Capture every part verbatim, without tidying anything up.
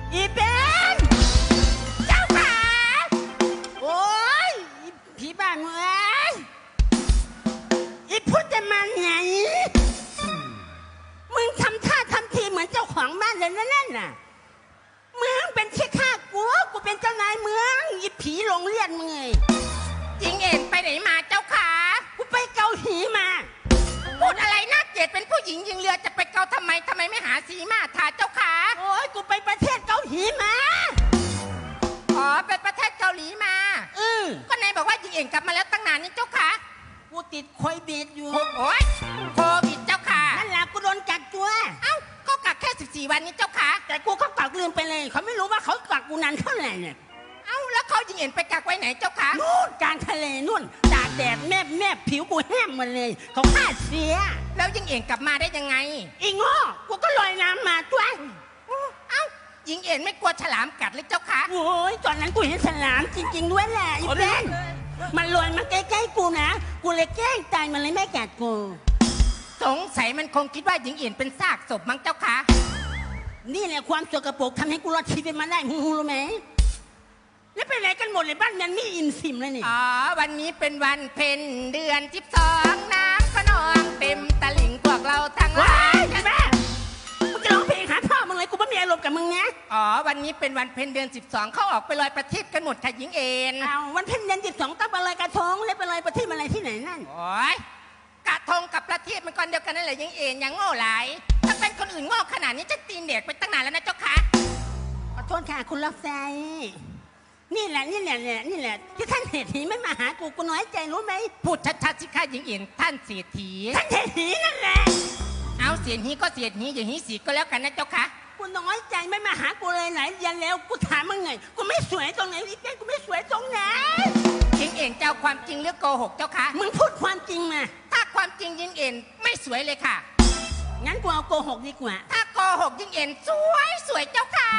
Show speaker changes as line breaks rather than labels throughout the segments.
อีเป็นเจ้าขาโอ้ยผีบ้าเมื่อยอีพูดจะมาไงมึงทำท่าทำทีเหมือนเจ้าของบ้านเลยนั่นน่ะมึงเป็นขี้ข้ากูกูเป็นเจ้านายเมืองอีผีโรงเรียนมึงไง
หญิงเอ็นไปไหนมาเจ้าขา
กูไปเกาหลีมา
พูดอะไรน่าเกลียดเป็นผู้หญิงยิงเรือจะไปเกาทำไมทำไมไม่หาสีมาทาเจ้าขา
โอ้ยกูไปประเทศเกาหลีมา
อ๋อไปประเทศเกาหลีมา
อือ
ก็นายบอกว่าหญิงเอ็นกลับมาแล้วตั้งนานนี่เจ้าขา
กูติดโควิดอยู่
โอ้ยโควิดเจ้าขา
นั่นแหละกูโดนกักตัว
เอ้าก็กักแค่สิบสี่วันนี้เจ้าขา
แต่กูก็กักลืมไปเลยเขาไม่รู้ว่าเขากักกูนานเท่าไหร่เนี่ย
เอ้าแล้วเขาหญิงเอ็นไปกักไว้ไหนเจ้าขา
นู่นกลางทะเลนู่นตากแดดแมบแมบผิวกูแห้งหมดเลยเขาฆ่าเสีย
แล้วหญิงเอ็นกลับมาได้ยังไง
อีง้อกูก็ลอยน้ำมาตัว
เอ้าหญิงเอ็นไม่กลัวฉลามกัดเลยเจ้าขา
โอ้ยตอนนั้นกูเห็นฉลามจริงๆด้วยแหละอีเบนมันลอยมาใกล้ๆกูนะกูเลยแกล้งตายมันเลยไม่กัดกู
สงสัยมันคงคิดว่าหญิงเอ็นเป็นซากศพมั้งเจ้าขา
นี่แหละความสกปรกทำให้กูรอดชีวิตมาได้มึงรู้ไหมแล้วไปไหนกันหมดเลยบ้านมันไม่อิ่มสิมเลยนี่
อ๋อวันนี้เป็นวันเพ็ญเดือนสิบสองน้ำขนองเต็มตะลิ่งพวกเราทั้งหลาย
แม่มึงจะร้องเพลงหาพ่อมึงเลยกูไม่มีอารมณ์กับมึงนะ
อ๋อวันนี้เป็นวันเพ็ญเดือนสิบสองเขาออกไปลอยประทีปกันหมดค่ะหญิงเอ็น
เอาวันเพ็ญเดือนสิบสองต้องไปลอยกระทงแล้วไปลอยประทีปอะไรที่ไหนนั่น
โอ้ยกระทงกับประทีปมันก้อนเดียวกันนั่นแหละหญิงเอ็นยังโง่หลายถ้าเป็นคนอื่นโง่ขนาดนี้จะตีนเด็กไปตั้งนานแล้วนะเจ้าค่ะ
ขอโทษค่ะคุณรับใจนี่แหละนี่แหละนี่แหละที่ท่านเศรษฐีไม่มาหากูกูน้อยใจรู้ไหม
พูดชัดๆสิค่ะหญิงเอ็นท่านเศรษฐี
ท่านเศรษฐีนั่นแหละ
เอาเศรษฐีก็เศรษฐีอย่างนี้สีก็แล้วกันนะเจ้าค่ะ
กูน้อยใจไม่มาหากูเลยไหนยันแล้วกูถามมึงไงกูไม่สวยตรงไหนอีกแค่กูไม่สวยตรงไหน
หญิงเอ็นเจ้าความจริงหรือโกหกเจ้าค่ะ
มึงพูดความจริงมา
ถ้าความจริงหญิงเอ็นไม่สวยเลยค่ะ
งั้นกูเอาโกหกดีกว่า
ถ้าโกหกหญิงเอ็นสวยสวยเจ้าค่ะ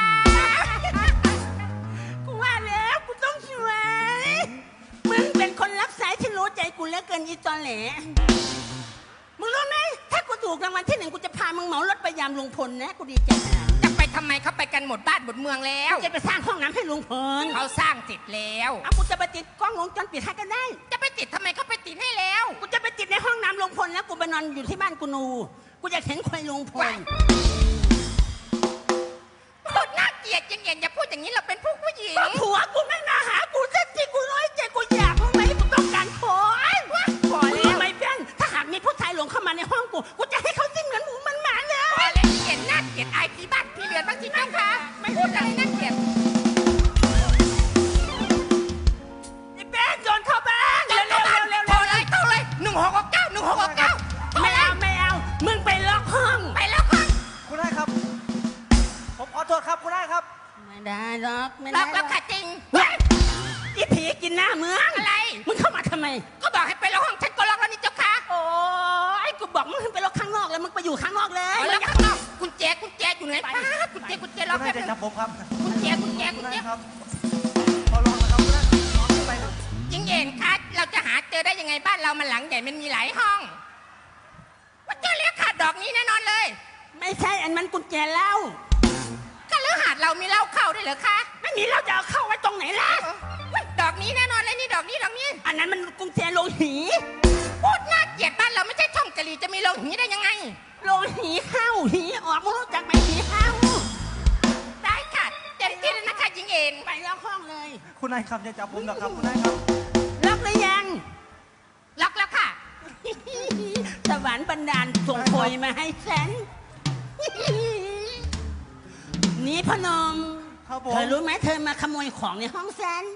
กูว่าแล้วกูต้องสวยมึงเป็นคนรับสายที่รู้ใจกูเหลือเกินอีตอนแหลมึงรู้ไหมถ้ากูถูกรางวัลที่หนึ่งกูจะพามึงเหมารถไปยามลุงพลนะกูดีใจ
จะไปทำไมเขาไปกันหมดบ้านหมดเมืองแล้ว
จะไปสร้างห้องน้ำให้ลุงพล
เขาสร้างเสร็จแล้ว
เอากูจะไปติดกล้องวงจรปิดให้ก็ได้
จะไปติดทำไมเขาไปติดให้แล้ว
กูจะไปติดในห้องน้ำลุงพลแล้วกูไปนอนอยู่ที่บ้านกูนูกูอยากเห็นควายลุงพล
พูดน่าเกลียดยังเย็นอย่าพูดอย่างนี้เราเป็นผู้ผู้หญิง
ผัวกูไม่มาหากูสักทีกูน้อยใจกูอยากมึงไหมกูต้องการขอขอแล้วไม่เป็นถ้าหากมีผู้ชายหลงเข้ามาในห้องกูกูจะให้เขาจิ้มเหมือนหมูมันหมาเลย
พอแล้วเห็นน่าเกลียดไอ้ที่บ้านพี่เรือนบ้างสิเจ้าค่ะไม่พูดอะไรน่าเกลียด
ไอ้แป้งโจรเข้าบ้านเร็วเร็วเร็วเร็ว
โทรเลยโทรเลยหนึ่งหกหกเก้าหนึ่งหกหกเก้า
ไม่เอาไม่เอามึงไปล็อกห้อง
ไปล็อกห้อง
คุณได้ครับผมขอโทษครับคุณได้ครับ
ไม่ได้ล็อกไม่ได้
ล็อกแล้วค่ะจริง
อีผีกินหน้าเมือง
อะไร
มึงเข้ามาทำไม
ก็บอกให้ไปล็อกห้องฉันก็ล็อกแล้วนี่เจ้าค่ะ
โอ้ยกูบอกมึงไปล็อกข้างนอกแล้วมึงไปอยู่ข้างนอกเลย
ล็อกข้างนอกกุญแจกุญแจอยู่ไหนป้ากุญแจกุญแจล็อกแค่
จะจับผมครับ
กุญแจกุญแจกุญแจ
ครับพอลองนะครับคุณได้ลองไปครับ
ยิงเย็นค่ะเราจะหาเจอได้ยังไงบ้านเรามันหลังใหญ่มันมีหลายห้องว่าเจอแล้วค่ะดอกนี้แน่นอนเลย
ไม่ใช่อันมันกุญแจเหล้า
ก็แล้วหาดเรามีเหล้าเข้าได้เหรอคะ
ไม่มีเหล้าจะเอาเข้าไว้ตรงไหนล่ะ
ดอกนี้แน่นอนเลยนี่ดอกนี้ดอกนี้
อันนั้นมันกุญแจโลหี
พูดน่าเกลียดบ้านเราไม่ใช่ช่องกะหรี่จะมีโลหีได้ยังไง
โลหีเข้าหีออกมึงรู้จักไหมหีเข้า
ได้ค่ะเต็มที่เลยนะคะยิงเอ็น
ไปล็อกห้องเลย
คุณนายครับจะจับผมนะครับคุณนายครับ
ล็อกหรือยัง
ล็อกแล้วค่ะ
สวรรค์บันดาลส่งโพยมาให้ฉันนี่พนมเธอรู้ไหมเธอมาขโมยของในห้องฉัน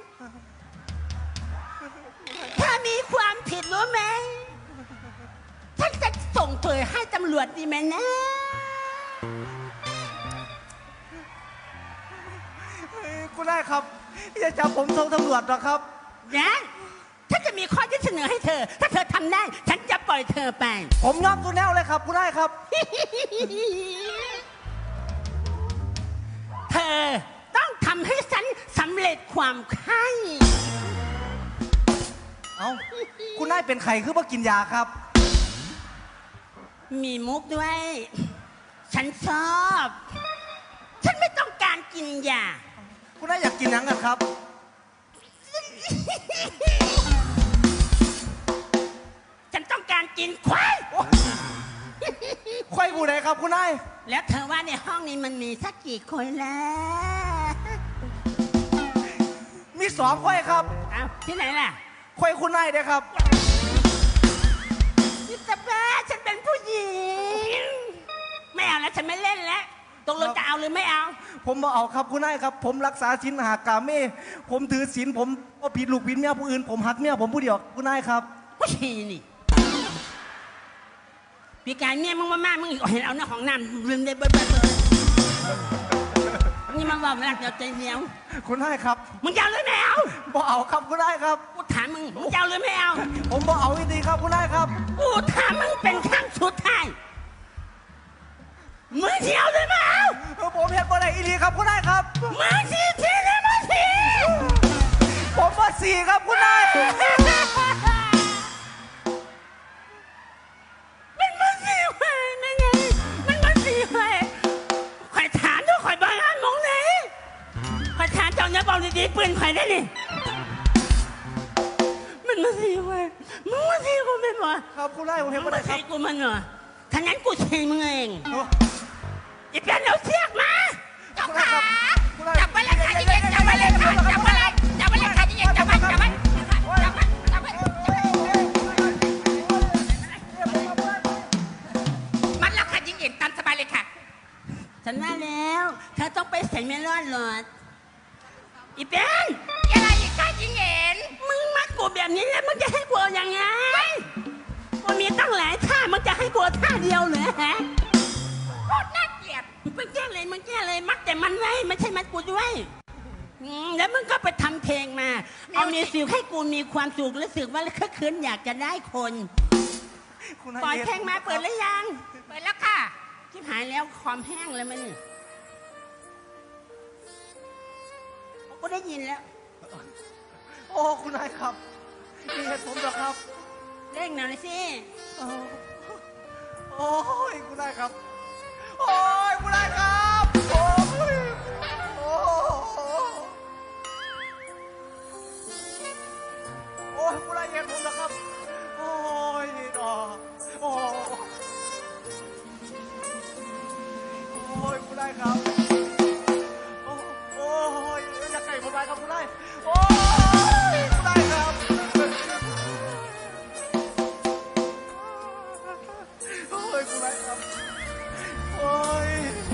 ถ้ามีความผิดรู้ไหมฉันจะส่งเธอให้ตำรวจดีไหมนะ
คุณได้ครับอย่าจับผมส่งตำรวจหรอกครับ
นะฉันจะมีข้อยื่นเสนอให้เธอถ้าเธอทำได้ฉันจะปล่อยเธอไป
ผมยอมตัวแนวเลยครับคุณได้ครับ
เธอต้องทำให้ฉันสำเร็จความไข้
เอ้าคุณได้เป็นไข่คือว่ากินยาครับ
มีมุกด้วยฉันชอบฉันไม่ต้องการกินยา
คุณนายอยากกินหนังกันครับ
ฉันต้องการกินควาย
ควายกูไหนครับคุณนาย
แล้วเธอว่าในห้องนี้มันมีสักกี่คนแล้ว
มีสองควายครับ
อ้าวที่ไหนล่ะ
ควายคุณนายเด้ครับ
อิสเบลฉันเป็นผู้หญิง ไม่เอาแล้วฉันไม่เล่นแล้วตกลงจะเอาหรือไม่เอา
ผมมาเอาครับคุณนายครับ ผมรักษาศีลหากาเม่ผมถือศีลผมก็ผิดลูกผิดเมียผู้อื่นผมหักเมียผมผู้เดียวคุณนายครับ
ผู้ชีนี่ปีการเมียมึงมามากมึงอีกเห็นเอาหน้าของน้ำลืมได้เบิดเบิดเบิดนี่มันว่าเวลาเดียวใจเหนียว
คุณนายครับ
มึงจะเอาหรือไม่เอา
บ่เอาครับคุณนายครับ
กูถามมึงมึงจะเอาหรือไม่เอา
ผมบ่เอาอีกทีครับคุณนายครับ
กูถามมึงเป็นครั้งสุดท้ายมึงจะเอาหรือไม่เอา
เออผมเห็นบ่ได้อีทีครับคุณนายครับ
มึงสีทีหรือไม่สี
ผมว่าสี่ครับคุณนาย
มันมันสีไฟนั่นไงมันมันสีไฟข่อยถามด้วยข่อยบ้านมองไหนข่อยถามเจ้าเนี่ยบอกดีๆปืนข่อยได้นี่มันมาสีไฟมึงมาสีกูเป็นวะ
ครับคุณนายผม
มึ
เห็น
ง
บ่
มา
ได้ค
สี
รับ
กูมันเหรอถ้างั้นกูสีมึงเอง
โอ้
อีเปียนเอาเสียกมา
เจ้าขาจับไปเลยค่ะยิ่งเย็นจับไปเลยค่ะจับไปเลยจับไปเลยค่ะยิ่งเย็นจับไปจับไปจับไปจับไปมันแล้วค่ะยิ่งเย็นตามสบายเลยค่ะ
ฉันว่าแล้วเธอต้องไปใส่เมลอนหลอดอีเปียน
อะไรอีกค่ะยิ่งเย็น
มึงมัดกูแบบนี้แล้วมึงจะให้กูเอายังไงกูมีตั้งหลายท่ามึงจะให้กูเอาท่าเดียวเหรอฮะ
โคตรน่าเกลียด
มึงแก้เลยมึงแก้เลยมัดแต่มันไว้ไม่ใช่มัดกูด้วยอืมแล้วมึงก็ไปทำเพลงมา เอามีสิวให้กูมีความสุขรู้สึกว่าคึกคืนอยากจะได้คน
คุณนาย
ปล่อยเพลงมาเปิดหรือยัง
เปิดแล้วค่ะ
ชิบหายแล้วคอมแห้งแล้วมันนี่กูได้ยินแล้ว
โอ้คุณนายครับมีเหตุผลเหรอครับ
เร่งหน่อยสิ
โอ้โอ้ยคุณนายครับ โอ้ยคุณนายครับโอ้ยโอ้โอ้ยคุณนายเหตุผลเหรอครับ โอ้ยดอโอ้โอ้ยคุณนายครับโอ้โอ้ยอยากไก่ผมไปครับคุณนายโอ้ยคุณนายครับ โอ้ยคุณนายครับโอ้ย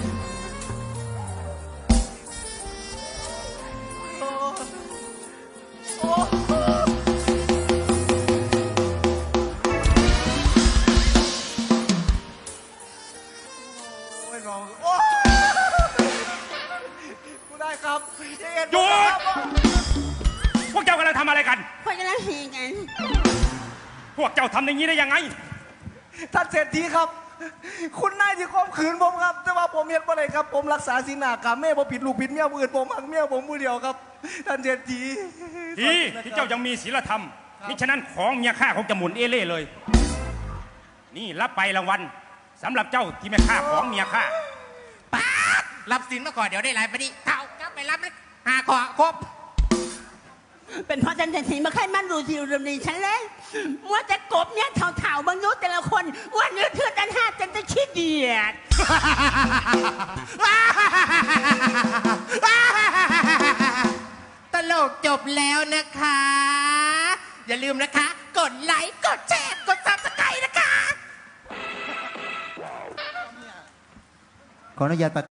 โอ้โอ้โอ้ยน้องโอ้ยคุณนายครับอย่าเอ็น
หยุด
ครับ
พวกเจ้ากำลังทำอะไรกัน
พวกกำลังเฮกัน
พวกเจ้าทำอย่างนี้ได้ยังไง
ท่านเศรษฐีครับ คุณนายที่ข่มขืนผมครับ แต่ว่าผมเห็นบ่ได้ครับ ผมรักษาศีลหากรรมแม่ผมผิดลูกผิดเมียผู้อื่นผมหักเมียผมผู้เดียวครับ ท่านเศรษฐี
ดีที่เจ้ายังมีศีลธรรมมิฉะนั้นของเมียข้าคงจะหมุนเอเล่เลย นี่รับไปรางวัลสำหรับเจ้าที่ไม่ฆ่าของเมียข้า
ป๊าดรับสินมาก่อนเดี๋ยวได้หลายปฏิเท่าก็ไปรับเลยหาขอครบ
เป็นเพราะฉันจะถีมาใครมันดูทีรมดีฉันเลยมัวแต่กบเนี่ยเถ่าๆบางยุแต่ละคนว่าเนื้อเทือดันห้าจนจะขี้เดียด
ตลกจบแล้วนะคะ อย่าลืมนะคะ กดไลค์กดแชร์กดซับสไครต์นะคะ
ขออนุญาตประ